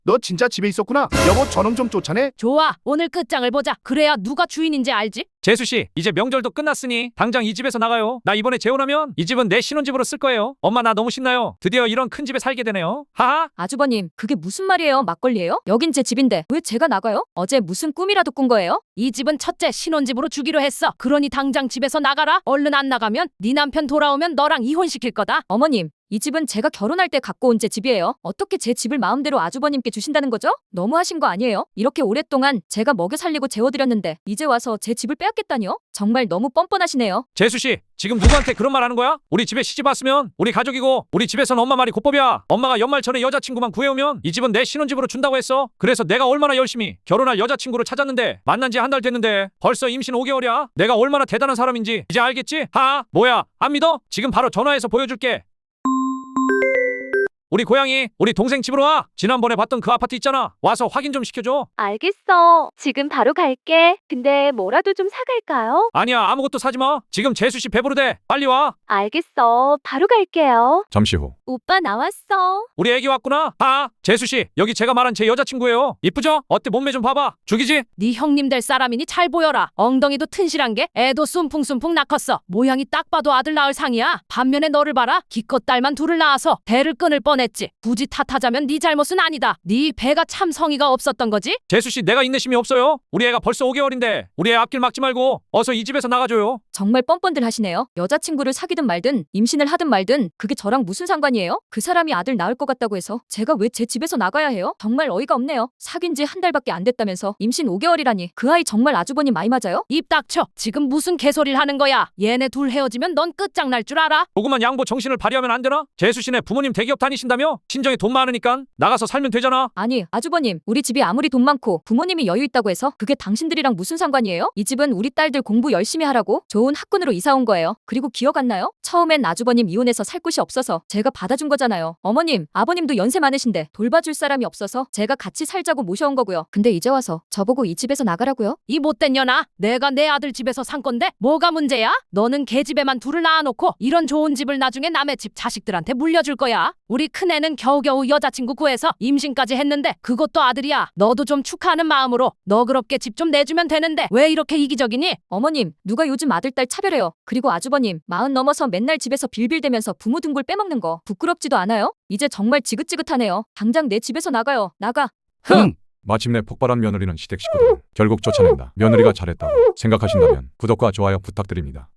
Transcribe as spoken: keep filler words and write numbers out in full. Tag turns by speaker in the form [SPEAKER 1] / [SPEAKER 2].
[SPEAKER 1] 너 진짜 집에 있었구나. 여보, 저놈 좀 쫓아내.
[SPEAKER 2] 좋아, 오늘 끝장을 보자. 그래야 누가 주인인지 알지?
[SPEAKER 3] 재수씨, 이제 명절도 끝났으니 당장 이 집에서 나가요. 나 이번에 재혼하면 이 집은 내 신혼집으로 쓸 거예요. 엄마, 나 너무 신나요. 드디어 이런 큰 집에 살게 되네요. 하하.
[SPEAKER 4] 아주버님, 그게 무슨 말이에요? 막걸리예요? 여긴 제 집인데 왜 제가 나가요? 어제 무슨 꿈이라도 꾼 거예요?
[SPEAKER 2] 이 집은 첫째 신혼집으로 주기로 했어. 그러니 당장 집에서 나가라. 얼른 안 나가면 네 남편 돌아오면 너랑 이혼시킬 거다.
[SPEAKER 4] 어머님, 이 집은 제가 결혼할 때 갖고 온 제 집이에요. 어떻게 제 집을 마음대로 아주버님께 주신다는 거죠? 너무하신 거 아니에요? 이렇게 오랫동안 제가 먹여 살리고 재워드렸는데 이제 와서 제 집을 빼앗겠다니요? 정말 너무 뻔뻔하시네요.
[SPEAKER 3] 재수씨, 지금 누구한테 그런 말 하는 거야? 우리 집에 시집 왔으면 우리 가족이고 우리 집에선 엄마 말이 곧법이야. 엄마가 연말 전에 여자친구만 구해오면 이 집은 내 신혼집으로 준다고 했어. 그래서 내가 얼마나 열심히 결혼할 여자친구를 찾았는데 만난 지 한 달 됐는데 벌써 임신 오 개월이야. 내가 얼마나 대단한 사람인지 이제 알겠지? 하하. 뭐야, 안 믿어? 지금 바로 전화해서 보여줄게. 우리 고양이, 우리 동생 집으로 와. 지난번에 봤던 그 아파트 있잖아. 와서 확인 좀 시켜줘.
[SPEAKER 5] 알겠어. 지금 바로 갈게. 근데 뭐라도 좀 사갈까요?
[SPEAKER 3] 아니야, 아무것도 사지 마. 지금 재수씨 배부르대. 빨리 와.
[SPEAKER 5] 알겠어. 바로 갈게요.
[SPEAKER 6] 잠시 후
[SPEAKER 5] 오빠 나왔어.
[SPEAKER 3] 우리 애기 왔구나. 하, 재수씨, 여기 제가 말한 제 여자친구예요. 이쁘죠? 어때, 몸매 좀 봐봐. 죽이지?
[SPEAKER 2] 네 형님 될 사람이니 잘 보여라. 엉덩이도 튼실한 게 애도 쏨풍쏨풍 낳겠어. 모양이 딱 봐도 아들 낳을 상이야. 반면에 너를 봐라. 기껏 딸만 둘을 낳아서 대를 끊을 뻔했지. 굳이 탓하자면 네 잘못은 아니다. 네 배가 참 성의가 없었던 거지.
[SPEAKER 3] 재수씨, 내가 인내심이 없어요. 우리 애가 벌써 오 개월인데 우리 애 앞길 막지 말고 어서 이 집에서 나가줘요.
[SPEAKER 4] 정말 뻔뻔들 하시네요. 여자친구를 사귀든 말든 임신을 하든 말든 그게 저랑 무슨 상관이에요? 그 사람이 아들 낳을 것 같다고 해서 제가 왜 제 집에서 나가야 해요? 정말 어이가 없네요. 사귄 지 한 달밖에 안 됐다면서 임신 오 개월이라니 그 아이 정말 아주버님 많이 맞아요?
[SPEAKER 2] 입 닥쳐. 지금 무슨 개소리를 하는 거야. 얘네 둘 헤어지면 넌 끝장날 줄 알아?
[SPEAKER 3] 조그만 양보 정신을 발휘하면 안 되나? 재수씨네 부모님 대기업 다니신다며? 친정에 돈 많으니까 나가서 살면 되잖아.
[SPEAKER 4] 아니, 아주버님, 우리 집이 아무리 돈 많고 부모님이 여유 있다고 해서 그게 당신들이랑 무슨 상관이에요? 이 집은 우리 딸들 공부 열심히 하라고 좋은 학군으로 이사 온 거예요. 그리고 기억 안 나요? 처음엔 아주버님 이혼해서 살 곳이 없어서 제가 받아준 거잖아요. 어머님, 아버님도 연세 많으신데 돌봐줄 사람이 없어서 제가 같이 살자고 모셔온 거고요. 근데 이제 와서 저보고 이 집에서 나가라고요?
[SPEAKER 2] 이 못된 년아. 내가 내 아들 집에서 산 건데 뭐가 문제야? 너는 걔 집에만 둘을 낳아놓고 이런 좋은 집을 나중에 남의 집 자식들한테 물려줄 거야. 우리 큰애는 겨우겨우 여자친구 구해서 임신까지 했는데 그것도 아들이야. 너도 좀 축하하는 마음으로 너그럽게 집 좀 내주면 되는데 왜 이렇게 이기적이니?
[SPEAKER 4] 어머님, 누가 요즘 아들 딸 차별해요? 그리고 아주버님, 마흔 넘어서 맨날 집에서 빌빌대면서 부모 등골 빼먹는 거 부끄럽지도 않아요? 이제 정말 지긋지긋하네요. 당장 내 집에서 나가요. 나가.
[SPEAKER 1] 흥.
[SPEAKER 6] 마침내 폭발한 며느리는 시댁 식구들을 결국 쫓아낸다. 며느리가 잘했다고 생각하신다면 구독과 좋아요 부탁드립니다.